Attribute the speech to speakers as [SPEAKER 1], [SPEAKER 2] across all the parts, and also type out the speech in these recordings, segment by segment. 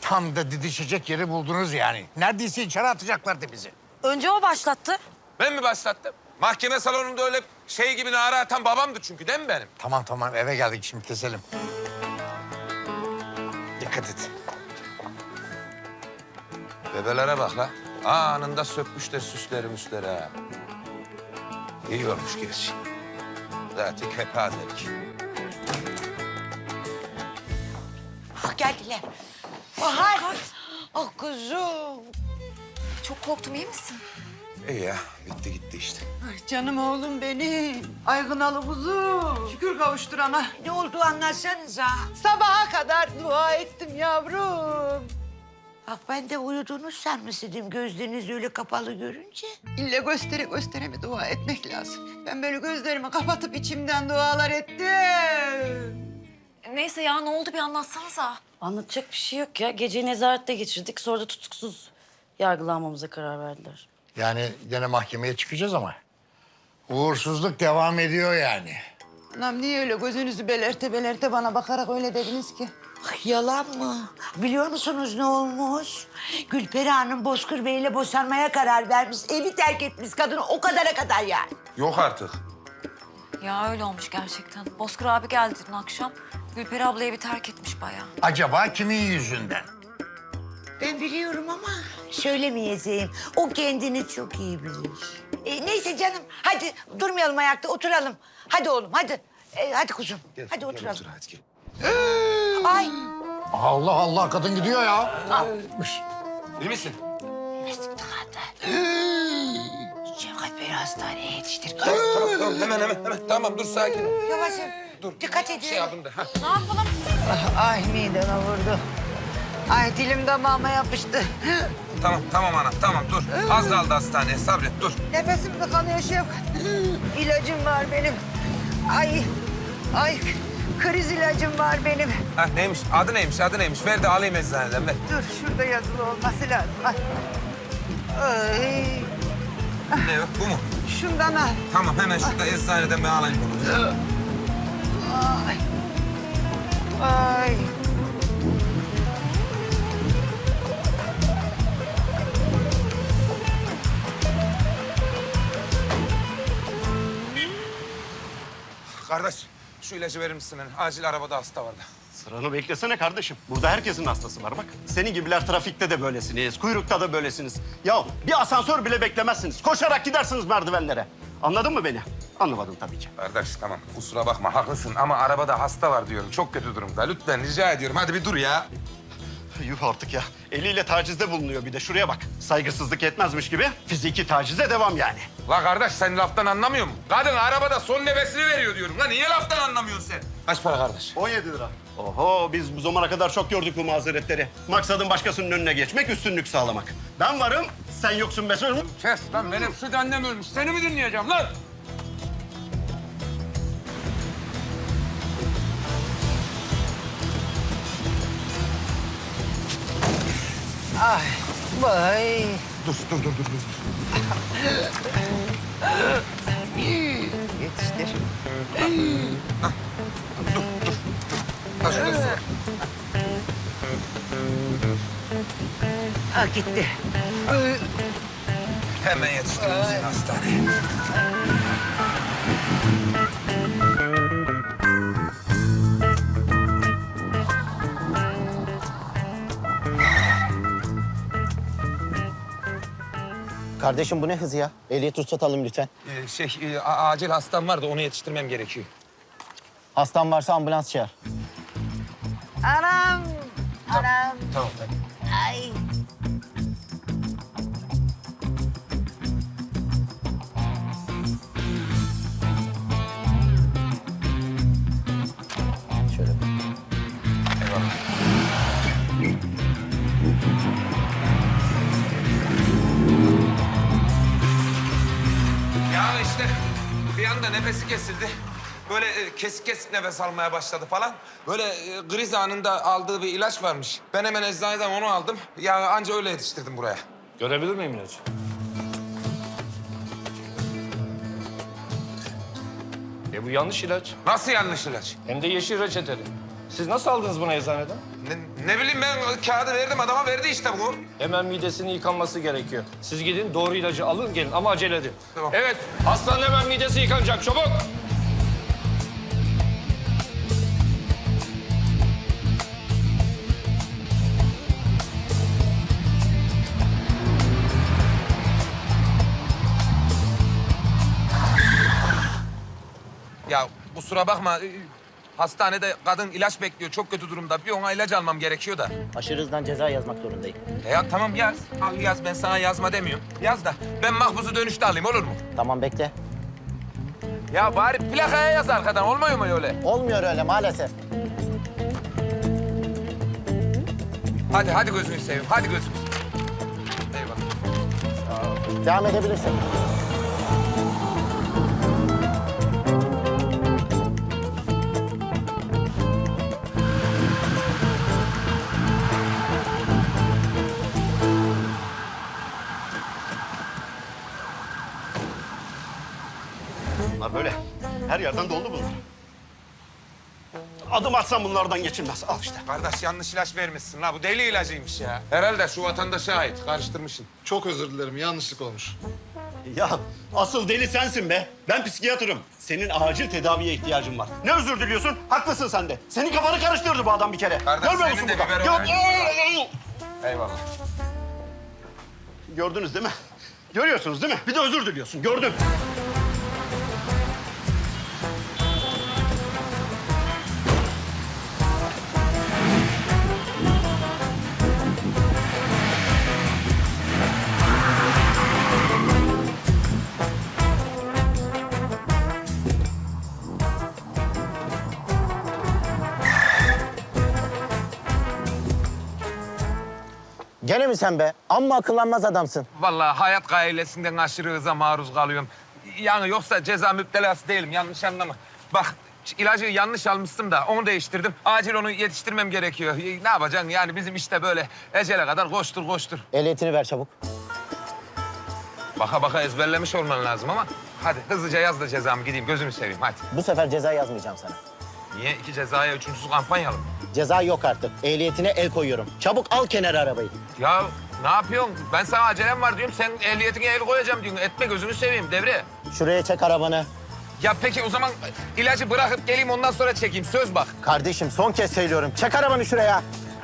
[SPEAKER 1] Tam da didişecek yeri buldunuz yani. Neredeyse içeri atacaklardı bizi.
[SPEAKER 2] Önce o başlattı.
[SPEAKER 3] Ben mi başlattım? Mahkeme salonunda öyle şey gibi nara atan babamdı çünkü değil mi benim?
[SPEAKER 1] Tamam eve geldik şimdi keselim. Dikkat et.
[SPEAKER 3] Bebelere bak la. Anında sökmüşler süsleri müsleri ha. İyi olmuş gerçi. Zaten kepazelik.
[SPEAKER 4] Ah geldiler. Bahar. Ah kuzum.
[SPEAKER 2] Çok korktum, iyi misin?
[SPEAKER 3] İyi ya, bitti gitti işte.
[SPEAKER 4] Ay canım oğlum benim. Aygınalı kuzum. Şükür kavuşturana. Ne oldu anlatsanıza. Sabaha kadar dua ettim yavrum. Bak ben de uyuduğunu sanmıştım gözleriniz öyle kapalı görünce. İlle göstere mi dua etmek lazım. Ben böyle gözlerimi kapatıp içimden dualar ettim.
[SPEAKER 2] Neyse ya, ne oldu bir anlatsanıza.
[SPEAKER 5] Anlatacak bir şey yok ya. Geceyi nezarette geçirdik. Sonra da tutuksuz yargılanmamıza karar verdiler.
[SPEAKER 1] Yani gene mahkemeye çıkacağız ama. Uğursuzluk devam ediyor yani.
[SPEAKER 4] Anam niye öyle gözünüzü belerte bana bakarak öyle dediniz ki? Ay, yalan mı? Biliyor musunuz ne olmuş? Gülperi Hanım Bozkır Bey'le boşanmaya karar vermiş. Evi terk etmiş kadını o kadara kadar yani.
[SPEAKER 3] Yok artık.
[SPEAKER 2] Ya öyle olmuş gerçekten. Bozkır abi geldi dün akşam. Gülperi abla evi terk etmiş bayağı.
[SPEAKER 1] Acaba kimin yüzünden?
[SPEAKER 4] Ben biliyorum ama söylemeyeceğim. O kendini çok iyi bilir. Neyse canım hadi durmayalım ayakta oturalım. Hadi oğlum hadi. Hadi kuzum hadi oturalım.
[SPEAKER 3] Otur hadi gel.
[SPEAKER 4] Ay
[SPEAKER 1] Allah Allah kadın gidiyor ya.
[SPEAKER 3] İyi misin?
[SPEAKER 4] mesut tıkandı. Şevkat Bey hastaneye yetiştir.
[SPEAKER 3] Tamam hemen. Tamam dur sakin ol.
[SPEAKER 4] Yavaşım.
[SPEAKER 3] Dur.
[SPEAKER 4] Dikkat edin.
[SPEAKER 3] Şey yapın da. Ha.
[SPEAKER 2] Ne yapalım?
[SPEAKER 4] Ay mideme vurdu. Ay dilim damağıma yapıştı.
[SPEAKER 3] Tamam anam tamam dur. Az kaldı hastaneye sabret dur.
[SPEAKER 4] Nefesim tıkanıyor Şevkat. İlacım var benim. Ay kriz ilacım var benim.
[SPEAKER 3] Ha neymiş adı neymiş ver de alayım eczaneden ver.
[SPEAKER 4] Dur şurada yazılı olması lazım. Ay.
[SPEAKER 3] Ne o bu mu?
[SPEAKER 4] Şundan al.
[SPEAKER 3] Tamam hemen şurada eczaneden ben alayım bunu.
[SPEAKER 4] Ay. Ay.
[SPEAKER 3] Kardeş şu ilacı verir misin? Acil arabada hasta vardı.
[SPEAKER 6] Sıranı beklesene kardeşim. Burada herkesin hastası var bak. Senin gibiler trafikte de böylesiniz, kuyrukta da böylesiniz. Ya bir asansör bile beklemezsiniz. Koşarak gidersiniz merdivenlere. Anladın mı beni? Anlamadın tabii ki.
[SPEAKER 3] Kardeş tamam kusura bakma haklısın ama arabada hasta var diyorum. Çok kötü durumda. Lütfen rica ediyorum hadi bir dur ya.
[SPEAKER 6] Yuh artık ya. Eliyle tacizde bulunuyor bir de. Şuraya bak. Saygısızlık etmezmiş gibi fiziki tacize devam yani.
[SPEAKER 3] La kardeş sen laftan anlamıyor musun? Kadın arabada son nefesini veriyor diyorum. La niye laftan anlamıyorsun sen? Kaç para kardeş?
[SPEAKER 6] 17 lira. Oho biz bu zamana kadar çok gördük bu mazeretleri. Maksadın başkasının önüne geçmek, üstünlük sağlamak. Ben varım, sen yoksun Mesut.
[SPEAKER 3] Kes lan benim süt annem ölmüş. Seni mi dinleyeceğim lan?
[SPEAKER 4] Ay. Vay.
[SPEAKER 3] Dur.
[SPEAKER 4] Yetiştir.
[SPEAKER 3] Ha şurası.
[SPEAKER 4] Gitti.
[SPEAKER 3] Hemen yetiştirin seni hastaneye.
[SPEAKER 7] Kardeşim bu ne hız ya? Ehliyet ruhsat alın lütfen.
[SPEAKER 3] Acil hastam var da onu yetiştirmem gerekiyor.
[SPEAKER 7] Hastan varsa ambulans çağır.
[SPEAKER 4] Anam. Anam.
[SPEAKER 3] Tamam.
[SPEAKER 4] Ay.
[SPEAKER 7] Şöyle bak.
[SPEAKER 3] Eyvallah. Ya işte bir anda nefesi kesildi. Böyle kesik nefes almaya başladı falan. Böyle kriz anında aldığı bir ilaç varmış. Ben hemen eczaneden onu aldım. Ya anca öyle yetiştirdim buraya.
[SPEAKER 8] Görebilir miyim ilacı? Bu yanlış ilaç.
[SPEAKER 3] Nasıl yanlış ilaç?
[SPEAKER 8] Hem de yeşil reçeteli. Siz nasıl aldınız bunu eczaneden?
[SPEAKER 3] Ne bileyim ben kağıdı verdim adama verdi işte bu.
[SPEAKER 8] Hemen midesinin yıkanması gerekiyor. Siz gidin doğru ilacı alın gelin ama acele edin.
[SPEAKER 3] Tamam.
[SPEAKER 8] Evet hastanın hemen midesi yıkanacak çabuk.
[SPEAKER 3] Ya kusura bakma hastanede kadın ilaç bekliyor çok kötü durumda. Bir ona ilaç almam gerekiyor da.
[SPEAKER 7] Aşırı hızdan ceza yazmak zorundayım.
[SPEAKER 3] Ya tamam yaz. Al yaz ben sana yazma demiyorum. Yaz da ben mahpusu dönüşte alayım olur mu?
[SPEAKER 7] Tamam bekle.
[SPEAKER 3] Ya bari plakaya yaz arkadan olmuyor mu öyle?
[SPEAKER 7] Olmuyor öyle maalesef.
[SPEAKER 3] Hadi gözünü seveyim hadi gözünü seveyim. Eyvallah.
[SPEAKER 7] Devam edebilirsin.
[SPEAKER 6] Bunlar böyle. Her yerden doldu bunlar. Adım atsam bunlardan geçilmez. Al işte.
[SPEAKER 3] Kardeş yanlış ilaç vermişsin la bu deli ilacıymış ya. Herhalde şu vatandaşa ait karıştırmışsın.
[SPEAKER 9] Çok özür dilerim, yanlışlık olmuş.
[SPEAKER 6] Ya asıl deli sensin be. Ben psikiyatrım. Senin acil tedaviye ihtiyacın var. Ne özür diliyorsun? Haklısın sen de. Senin kafanı karıştırdı bu adam bir kere.
[SPEAKER 3] Kardeş,
[SPEAKER 6] Görmüyor
[SPEAKER 3] senin
[SPEAKER 6] musun
[SPEAKER 3] de
[SPEAKER 6] burada?
[SPEAKER 3] biber
[SPEAKER 6] Yok.
[SPEAKER 3] Eyvallah.
[SPEAKER 6] Gördünüz değil mi? Görüyorsunuz değil mi? Bir de özür diliyorsun. Gördüm.
[SPEAKER 7] Gene mi sen be? Amma akıllanmaz adamsın.
[SPEAKER 3] Vallahi hayat gailesinden aşırı hıza maruz kalıyorum. Yani yoksa ceza müptelası değilim yanlış anlama. Bak ilacı yanlış almıştım da onu değiştirdim. Acil onu yetiştirmem gerekiyor. Ne yapacaksın yani bizim işte böyle ecele kadar koştur koştur.
[SPEAKER 7] Ehliyetini ver çabuk.
[SPEAKER 3] Baka baka ezberlemiş olman lazım ama hadi hızlıca yaz da cezamı gideyim gözümü seveyim hadi.
[SPEAKER 7] Bu sefer ceza yazmayacağım sana.
[SPEAKER 3] Niye iki cezaya üçüncüsü kampanyalı mı?
[SPEAKER 7] Ceza yok artık. Ehliyetine el koyuyorum. Çabuk al kenara arabayı.
[SPEAKER 3] Ya ne yapıyorsun? Ben sana acelem var diyorum. Sen ehliyetine el koyacağım diyorsun. Etme gözünü seveyim devre.
[SPEAKER 7] Şuraya çek arabanı.
[SPEAKER 3] Ya peki o zaman ilacı bırakıp geleyim ondan sonra çekeyim. Söz bak.
[SPEAKER 7] Kardeşim son kez söylüyorum. Çek arabanı şuraya.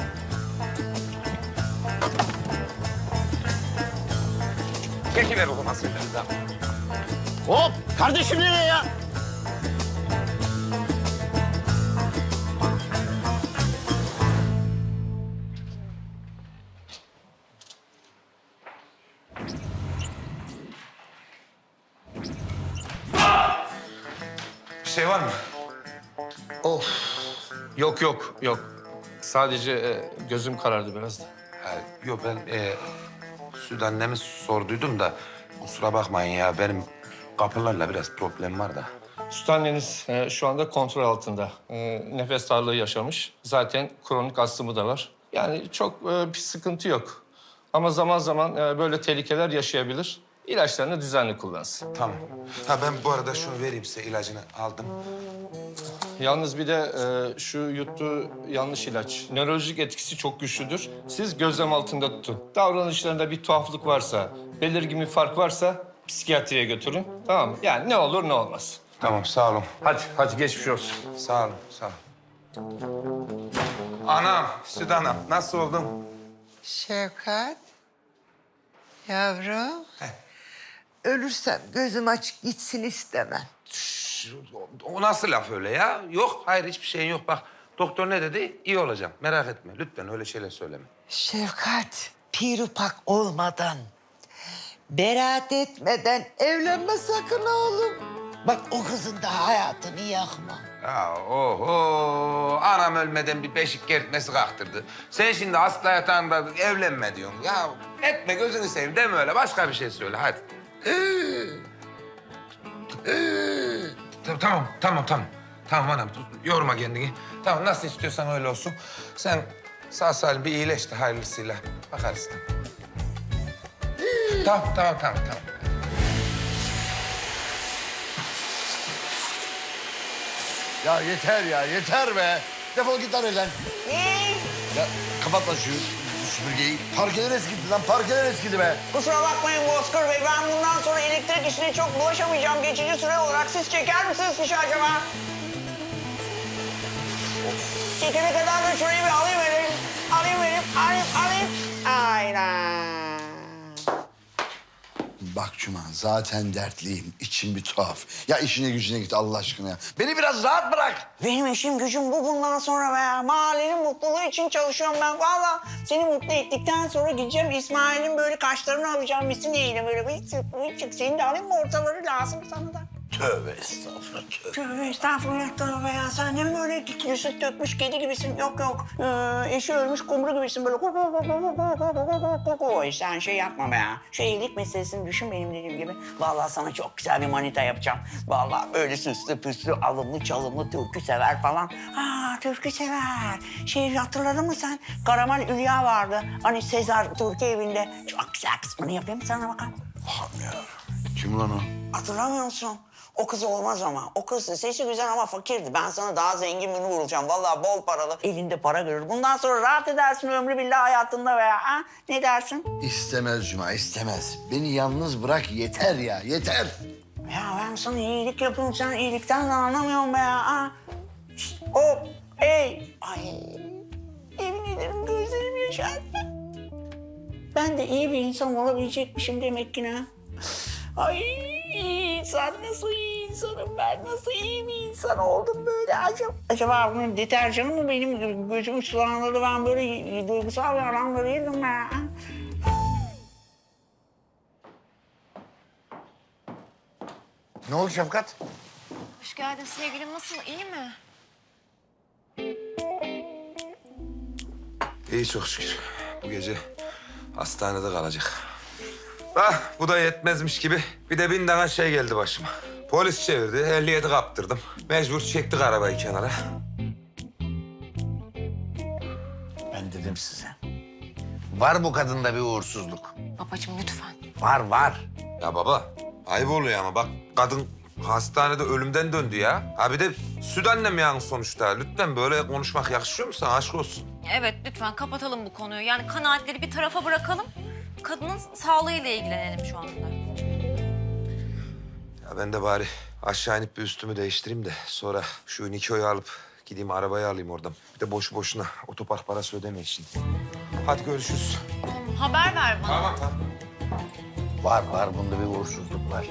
[SPEAKER 3] Çekiver o zaman sözleri de.
[SPEAKER 7] Hop! Kardeşim nereye ya?
[SPEAKER 3] Bir şey var mı?
[SPEAKER 8] Yok yok yok. Sadece gözüm karardı biraz da.
[SPEAKER 3] Yok ben Süt annemi sorduydum da kusura bakmayın ya benim kapılarla biraz problem var da.
[SPEAKER 8] Süt anneniz şu anda kontrol altında. Nefes darlığı yaşamış. Zaten kronik astımı da var. Yani çok bir sıkıntı yok. Ama zaman zaman böyle tehlikeler yaşayabilir. İlaçlarını düzenli kullansın.
[SPEAKER 3] Tamam. Ha ben bu arada şunu vereyim size ilacını aldım.
[SPEAKER 8] Yalnız bir de şu yuttuğu yanlış ilaç. Nörolojik etkisi çok güçlüdür. Siz gözlem altında tutun. Davranışlarında bir tuhaflık varsa, belirgin bir fark varsa psikiyatriye götürün. Tamam mı? Yani ne olur ne olmaz.
[SPEAKER 3] Tamam sağ olun.
[SPEAKER 8] Hadi geçmiş olsun.
[SPEAKER 3] Sağ olun sağ olun. Anam, Süt anam nasıl oldun?
[SPEAKER 4] Şevkat, yavrum. Ölürsem gözüm açık gitsin istemem.
[SPEAKER 3] O nasıl laf öyle ya? Yok, hayır hiçbir şeyin yok. Bak doktor ne dedi? İyi olacağım. Merak etme. Lütfen öyle şeyler söyleme.
[SPEAKER 4] Şevkat, pirupak olmadan, beraat etmeden evlenme sakın oğlum. Bak o kızın da hayatını yakma.
[SPEAKER 3] Ya oho, anam ölmeden bir beşik kertmesi kalktırdı. Sen şimdi hasta yatağında evlenme diyorsun. Ya etme gözünü seveyim deme öyle. Başka bir şey söyle hadi. Tamam. Tamam anam yorma kendini. Tamam nasıl istiyorsan öyle olsun. Sen sağ salim bir iyileş de hayırlısıyla bakarız. Tamam.
[SPEAKER 1] Ya yeter be. Defol git lan evden.
[SPEAKER 10] Ya kapatma şu süpürgeyi. Parkeler eskidi lan, parkeler eskidi be.
[SPEAKER 4] Kusura bakmayın Bozkır Bey. Ben bundan sonra elektrik işine çok bulaşamayacağım. Geçici süre olarak siz çeker misiniz fişi acaba? Çekene kadar da şurayı bir alayım elim. Alayım. Aynen.
[SPEAKER 10] Bak Cuma, zaten dertliyim. İçim bir tuhaf. Ya işine gücüne git Allah aşkına ya. Beni biraz rahat bırak.
[SPEAKER 4] Benim işim gücüm bu bundan sonra be. Mahallenin mutluluğu için çalışıyorum ben. Vallahi seni mutlu ettikten sonra gideceğim İsmail'in böyle kaşlarını alacağım. Misiniyle böyle bıyık. Senin de alayım mı ortaları lazım sana da.
[SPEAKER 10] Tövbe estağfurullah, tövbe.
[SPEAKER 4] Tövbe estağfurullah ya. Sen de mi böyle süt dökmüş kedi gibisin? Yok. Eşi ölmüş kumru gibisin böyle. Sen şey yapma be ya. Şu evlilik meselesini düşün benim dediğim gibi. Vallahi sana çok güzel bir manita yapacağım. Vallahi böyle süslü püslü, alımlı çalımlı, türkü sever falan. Türkü sever. Şey hatırladın mı sen? Karamal Hülya vardı. Hani Sezar Türkiye evinde. Çok güzel kız. Onu yapayım mı sana bakalım?
[SPEAKER 10] Allah'ım ya. Kim lan o?
[SPEAKER 4] Hatırlamıyor musun? O kız olmaz ama. O kız sesi güzel ama fakirdi. Ben sana daha zengin birini vuracağım. Vallahi bol paralı. Elinde para görür. Bundan sonra rahat edersin ömrü billah hayatında veya. Ha? Ne dersin?
[SPEAKER 10] İstemez Cuma, istemez. Beni yalnız bırak yeter ya, yeter.
[SPEAKER 4] Ya ben sana iyilik yapıyorum. Sen iyilikten de anlamıyorsun be ya. Ha? Şişt, hop, hey. Ay, yemin ederim gözlerim yaşardı. Ben de iyi bir insan olabilecekmişim demek ki ne? Ay sen nasıl iyi insanım ben, nasıl iyi bir insan oldum böyle acaba bunun deterjanı mı benim gözümü sulandırdı, ben böyle duygusal bir adam böyleydim ben.
[SPEAKER 1] Ne oldu Şefkat?
[SPEAKER 2] Hoş geldin sevgilim. Nasıl? İyi mi?
[SPEAKER 3] İyi çok şükür. Bu gece hastanede kalacak. Bu da yetmezmiş gibi bir de 1000 tane şey geldi başıma. Polis çevirdi, 57 kaptırdım. Mecbur çektik arabayı kenara.
[SPEAKER 1] Ben dedim size. Var bu kadında bir uğursuzluk.
[SPEAKER 2] Babacığım lütfen.
[SPEAKER 1] Var.
[SPEAKER 3] Ya baba, ayıp oluyor ama bak kadın hastanede ölümden döndü ya. Ha bir de süt annem yani sonuçta. Lütfen böyle konuşmak yakışıyor mu sana? Aşk olsun.
[SPEAKER 2] Evet lütfen kapatalım bu konuyu. Yani kanaatleri bir tarafa bırakalım. Kadının sağlığıyla ilgilenelim şu anda.
[SPEAKER 3] Ya ben de bari aşağı inip bir üstümü değiştireyim de sonra şu Niko'yu alıp gideyim arabayı alayım oradan. Bir de boşu boşuna otopark parası ödemeyin şimdi. Hadi görüşürüz.
[SPEAKER 2] Haber ver bana.
[SPEAKER 3] Tamam.
[SPEAKER 1] Var bunda bir uğursuzluk var.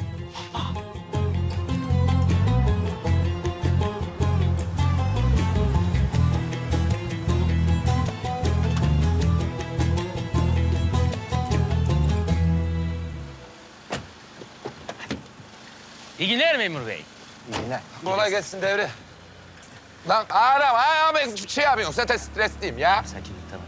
[SPEAKER 11] İyi günler memur bey.
[SPEAKER 1] İyi günler.
[SPEAKER 3] Kolay gelsin devre. Lan arama ben şey yapıyorum zaten stresliyim ya.
[SPEAKER 11] Sakin tamam.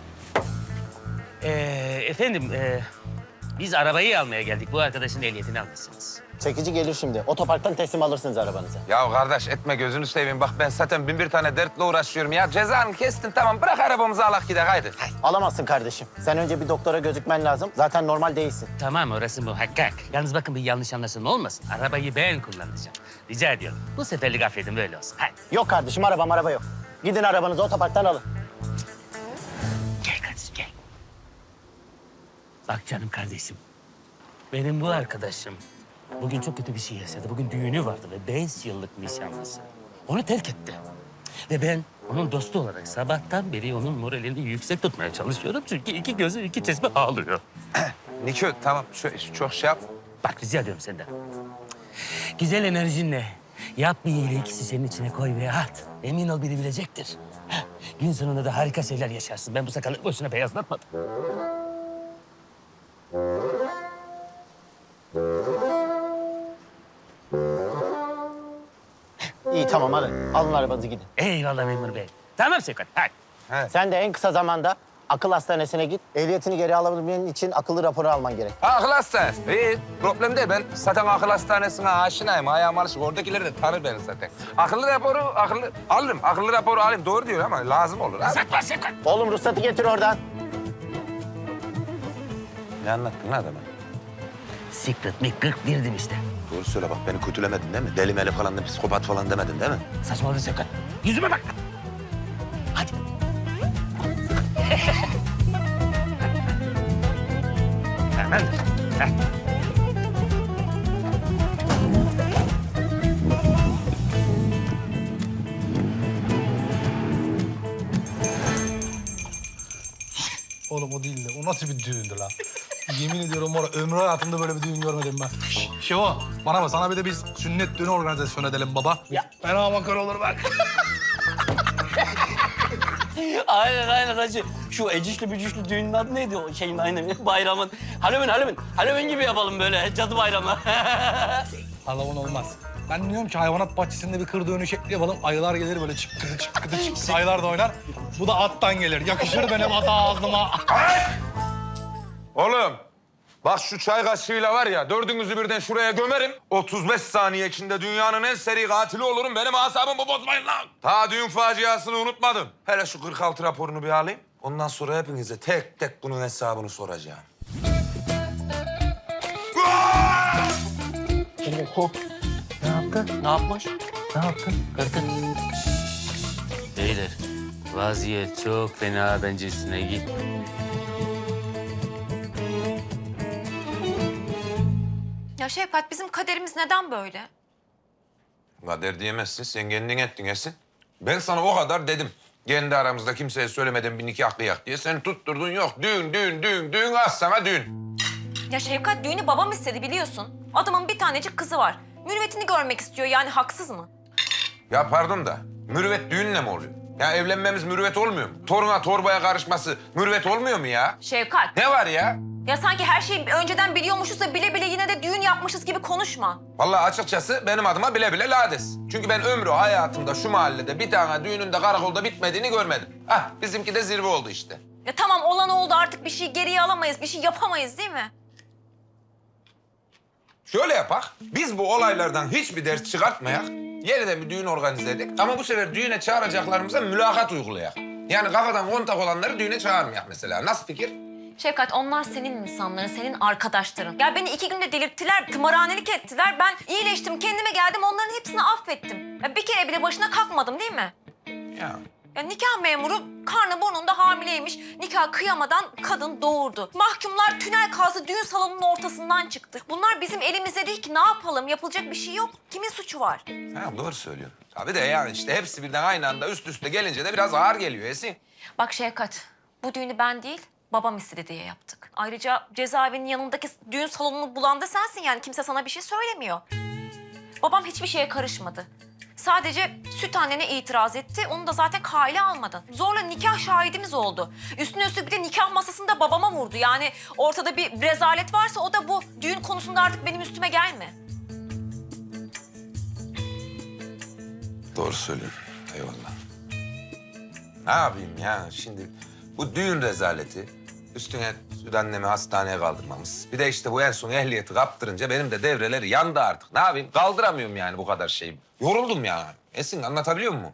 [SPEAKER 11] Efendim, biz arabayı almaya geldik. Bu arkadaşın ehliyetini almışsınız.
[SPEAKER 7] Çekici gelir şimdi. Otoparktan teslim alırsınız arabanızı.
[SPEAKER 3] Ya kardeş etme gözünü seveyim. Bak ben zaten 1001 tane dertle uğraşıyorum ya. Cezanı kestin tamam bırak arabamızı alak gidelim haydi.
[SPEAKER 7] Alamazsın kardeşim. Sen önce bir doktora gözükmen lazım. Zaten normal değilsin.
[SPEAKER 11] Tamam, orası muhakkak. Yalnız bakın bir yanlış anlaşılma olmasın. Arabayı ben kullanacağım. Rica ediyorum. Bu seferlik affedin, böyle olsun. Hadi.
[SPEAKER 7] Yok kardeşim, araba yok. Gidin arabanızı otoparktan alın.
[SPEAKER 11] Gel kardeşim, gel. Bak canım kardeşim. Benim bu arkadaşım bugün çok kötü bir şey yaşadı. Bugün düğünü vardı ve 5 yıllık nişanlısı. Onu terk etti. Ve ben onun dostu olarak sabahtan beri onun moralini yüksek tutmaya çalışıyorum. Çünkü iki gözü iki çeşme ağlıyor.
[SPEAKER 3] Niko tamam çok şey yap.
[SPEAKER 11] Bak rica ediyorum senden. Güzel enerjinle yap bir iyilik, senin içine koy ve at. Emin ol biri bilecektir. Heh, gün sonunda da harika şeyler yaşarsın. Ben bu sakalı boşuna beyazlatmadım.
[SPEAKER 7] İyi tamam alın. Alın arabanızı gidin.
[SPEAKER 11] Eyvallah memur bey. Tamam Şevkat, hadi.
[SPEAKER 7] Sen de en kısa zamanda akıl hastanesine git. Ehliyetini geri alabilmen için akıllı raporu alman gerek.
[SPEAKER 3] Akıl hastanesi. İyi problem değil. Ben zaten akıl hastanesine aşinayım. Ayağım alışık. Oradakiler de tanır beni zaten. Akıllı raporu alırım. Akıllı raporu alayım. Doğru diyor ama lazım olur.
[SPEAKER 11] Saklan Şevkat.
[SPEAKER 7] Oğlum ruhsatı getir oradan.
[SPEAKER 3] Ne anlattın lan adama?
[SPEAKER 11] Secret mi 41'dim işte.
[SPEAKER 3] Doğru söyle bak beni kötülemedin değil mi? Deli meli falan da psikopat falan demedin değil mi?
[SPEAKER 11] Saçmaladın Şevkat. Yüzüme bak. Hadi.
[SPEAKER 9] Oğlum o değil de o nasıl bir düğündü lan? Yemin ediyorum var ömrü hayatımda böyle bir düğün görmedim ben. Şevo bana bak sana bir de biz sünnet düğünü organizasyon edelim baba. Ya. Fena makar olur bak.
[SPEAKER 11] Aynen hacı. Şu ecişli bücüşlü düğünün adı neydi o şeyin aynen bayramın? Halloween gibi yapalım böyle cadı bayramı.
[SPEAKER 9] Halloween olmaz. Ben diyorum ki hayvanat bahçesinde bir kır düğünü şekli yapalım. Ayılar gelir böyle çıkkıdı çıkkıdı çıkkıdı. Ayılar da oynar. Bu da attan gelir. Yakışır benim ata ağzıma.
[SPEAKER 3] Oğlum, bak şu çay kaşığıyla var ya, dördünüzü birden şuraya gömerim. 35 saniye içinde dünyanın en seri katili olurum. Benim asabımı bozmayın lan. Ta düğün faciasını unutmadım. Hele şu 46 raporunu bir alayım. Ondan sonra hepinize tek tek bunun hesabını soracağım.
[SPEAKER 11] Ne yapmış? Ne yaptın? Kırdın. Beyler, vaziyet çok fena bence üstüne git.
[SPEAKER 2] Ya Şevkat bizim kaderimiz neden böyle?
[SPEAKER 3] Kader diyemezsin, sen kendin ettin Esin. Ben sana o kadar dedim. Kendi aramızda kimseye söylemeden bir nikah kıyak diye. Sen tutturdun yok. Düğün, az sana düğün.
[SPEAKER 2] Ya Şevkat düğünü babam istedi biliyorsun. Adamın bir tanecik kızı var. Mürüvvetini görmek istiyor yani haksız mı?
[SPEAKER 3] Ya pardon da, mürüvvet düğünle mi oluyor? Ya evlenmemiz mürüvvet olmuyor mu? Toruna torbaya karışması mürüvvet olmuyor mu ya?
[SPEAKER 2] Şevkat.
[SPEAKER 3] Ne var ya?
[SPEAKER 2] Ya sanki her şeyi önceden biliyormuşuz da bile bile yine de düğün yapmışız gibi konuşma.
[SPEAKER 3] Vallahi açıkçası benim adıma bile bile lades. Çünkü ben ömrü hayatımda şu mahallede bir tane düğünün de karakolda bitmediğini görmedim. Ah bizimki de zirve oldu işte.
[SPEAKER 2] Ya tamam olan oldu artık bir şey geriye alamayız, bir şey yapamayız değil mi?
[SPEAKER 3] Şöyle yapak, biz bu olaylardan hiçbir ders çıkartmayak. Yeniden bir düğün organize edelim. Ama bu sefer düğüne çağıracaklarımıza mülakat uygulayak. Yani kafadan kontak olanları düğüne çağırmayak mesela. Nasıl fikir?
[SPEAKER 2] Şevkat onlar senin insanların, senin arkadaşların. Ya beni 2 günde delirttiler, tımarhanelik ettiler. Ben iyileştim, kendime geldim, onların hepsini affettim. Ya bir kere bile başına kalkmadım değil mi?
[SPEAKER 3] Ya.
[SPEAKER 2] Ya nikah memuru karnı burnunda hamileymiş. Nikah kıyamadan kadın doğurdu. Mahkumlar tünel kazdı, düğün salonunun ortasından çıktı. Bunlar bizim elimizde değil ki ne yapalım? Yapılacak bir şey yok. Kimin suçu var?
[SPEAKER 3] Ha, doğru söylüyorsun. Tabii de yani işte hepsi birden aynı anda üst üste gelince de biraz ağır geliyor Esin.
[SPEAKER 2] Bak Şevkat, bu düğünü ben değil, babam istedi diye yaptık. Ayrıca cezaevinin yanındaki düğün salonunu bulan da sensin yani. Kimse sana bir şey söylemiyor. Babam hiçbir şeye karışmadı. Sadece süt annene itiraz etti. Onu da zaten kale almadın. Zorla nikah şahidimiz oldu. Üstüne üstlük bir de nikah masasında babama vurdu. Yani ortada bir rezalet varsa o da bu. Düğün konusunda artık benim üstüme gelme.
[SPEAKER 3] Doğru söylüyorsun. Eyvallah. Ne yapayım ya şimdi bu düğün rezaleti üstüne süt annemi hastaneye kaldırmamız. Bir de işte bu en son ehliyeti kaptırınca benim de devreleri yandı artık. Ne yapayım? Kaldıramıyorum yani bu kadar şeyi. Yoruldum ya. Esin anlatabiliyor muyum?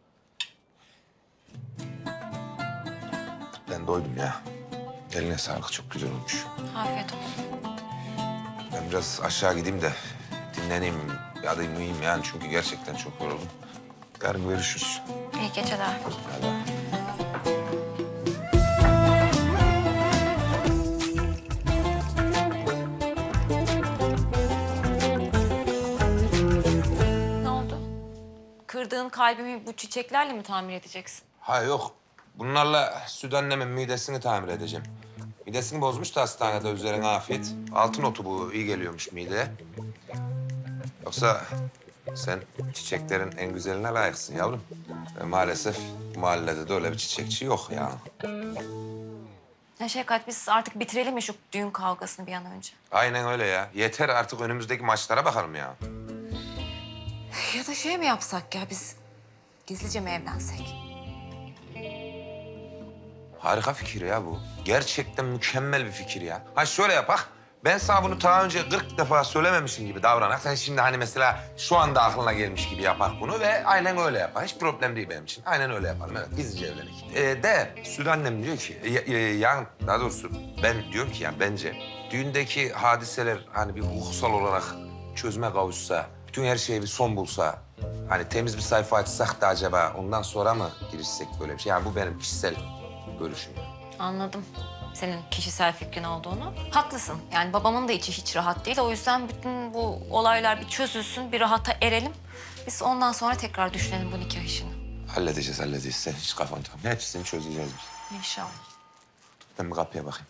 [SPEAKER 3] Ben doydum ya. Eline sağlık çok güzel olmuş.
[SPEAKER 2] Afiyet olsun.
[SPEAKER 3] Ben biraz aşağı gideyim de dinleneyim. Ya da uyuyayım yani çünkü gerçekten çok yoruldum. Yarın görüşürüz.
[SPEAKER 2] İyi geceler.
[SPEAKER 3] Hadi.
[SPEAKER 2] Ne oldu? Kırdığın kalbimi bu çiçeklerle mi tamir edeceksin?
[SPEAKER 3] Ha yok. Bunlarla süt annemin midesini tamir edeceğim. Midesini bozmuş da hastanede üzerine afiyet. Altın otu bu iyi geliyormuş mideye. Yoksa sen çiçeklerin en güzeline layıksın yavrum. Ve maalesef bu mahallede de öyle bir çiçekçi yok ya.
[SPEAKER 2] Ya Şevkat biz artık bitirelim mi şu düğün kavgasını bir an önce?
[SPEAKER 3] Aynen öyle ya. Yeter artık önümüzdeki maçlara bakalım ya.
[SPEAKER 2] Ya da şey mi yapsak ya biz gizlice mi evlensek?
[SPEAKER 3] Harika fikir ya bu. Gerçekten mükemmel bir fikir ya. Ha şöyle yapak. Ben sana bunu daha önce 40 defa söylememişim gibi davranak. Sen şimdi hani mesela şu anda aklına gelmiş gibi yapak bunu ve aynen öyle yapar. Hiç problem değil benim için. Aynen öyle yaparım. Evet, gizlice evlenik. Süt annem diyor ki, yani daha doğrusu ben diyorum ki yani bence düğündeki hadiseler hani bir hukuksal olarak çözüme kavuşsa, bütün her şeye bir son bulsa, hani temiz bir sayfa açsak da acaba ondan sonra mı girişsek böyle bir şey? Yani bu benim kişisel görüşüm.
[SPEAKER 2] Anladım. senin kişisel fikrin olduğunu. Haklısın. Yani babamın da içi hiç rahat değil. O yüzden bütün bu olaylar bir çözülsün, bir rahata erelim. Biz ondan sonra tekrar düşünelim bu nikah işini.
[SPEAKER 3] Halledeceğiz. Sen hiç kafan takma. Hepsini çözeceğiz biz.
[SPEAKER 2] İnşallah.
[SPEAKER 3] Ben bir kapıya bakayım.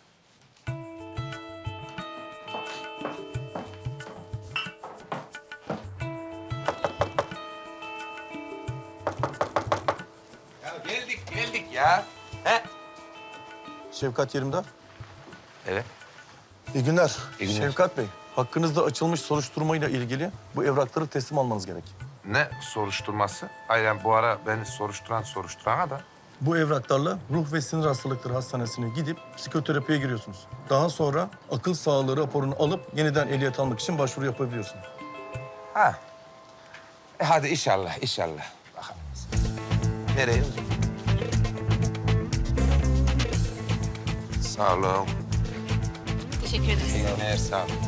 [SPEAKER 3] Ya geldik ya. He?
[SPEAKER 12] Şevkat Yerimdar.
[SPEAKER 3] Evet.
[SPEAKER 12] İyi günler.
[SPEAKER 3] İyi günler.
[SPEAKER 12] Şevkat Bey, hakkınızda açılmış soruşturmayla ilgili bu evrakları teslim almanız gerek.
[SPEAKER 3] Ne soruşturması? Aynen bu ara beni soruşturan da.
[SPEAKER 12] Bu evraklarla Ruh ve Sinir Hastalıkları Hastanesi'ne gidip psikoterapiye giriyorsunuz. Daha sonra akıl sağlığı raporunu alıp yeniden ehliyet almak için başvuru yapabiliyorsunuz.
[SPEAKER 3] Ha. Hadi inşallah. Bakalım. Nereye? Sağ olun.
[SPEAKER 2] Teşekkür ederiz.
[SPEAKER 3] İyi günler, sağ olun.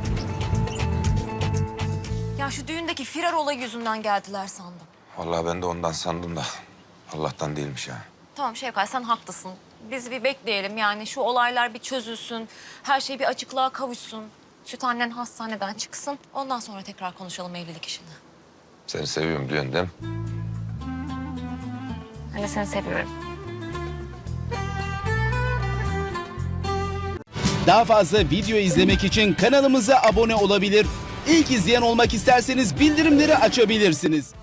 [SPEAKER 2] Ya şu düğündeki firar olayı yüzünden geldiler sandım.
[SPEAKER 3] Vallahi ben de ondan sandım da Allah'tan değilmiş ya.
[SPEAKER 2] Tamam Şevkat, sen haklısın. Biz bir bekleyelim yani şu olaylar bir çözülsün. Her şey bir açıklığa kavuşsun. Süt annen hastaneden çıksın. Ondan sonra tekrar konuşalım evlilik işini.
[SPEAKER 3] Seni seviyorum diyorsun değil mi?
[SPEAKER 2] Ben de seni seviyorum.
[SPEAKER 13] Daha fazla video izlemek için kanalımıza abone olabilir. İlk izleyen olmak isterseniz bildirimleri açabilirsiniz.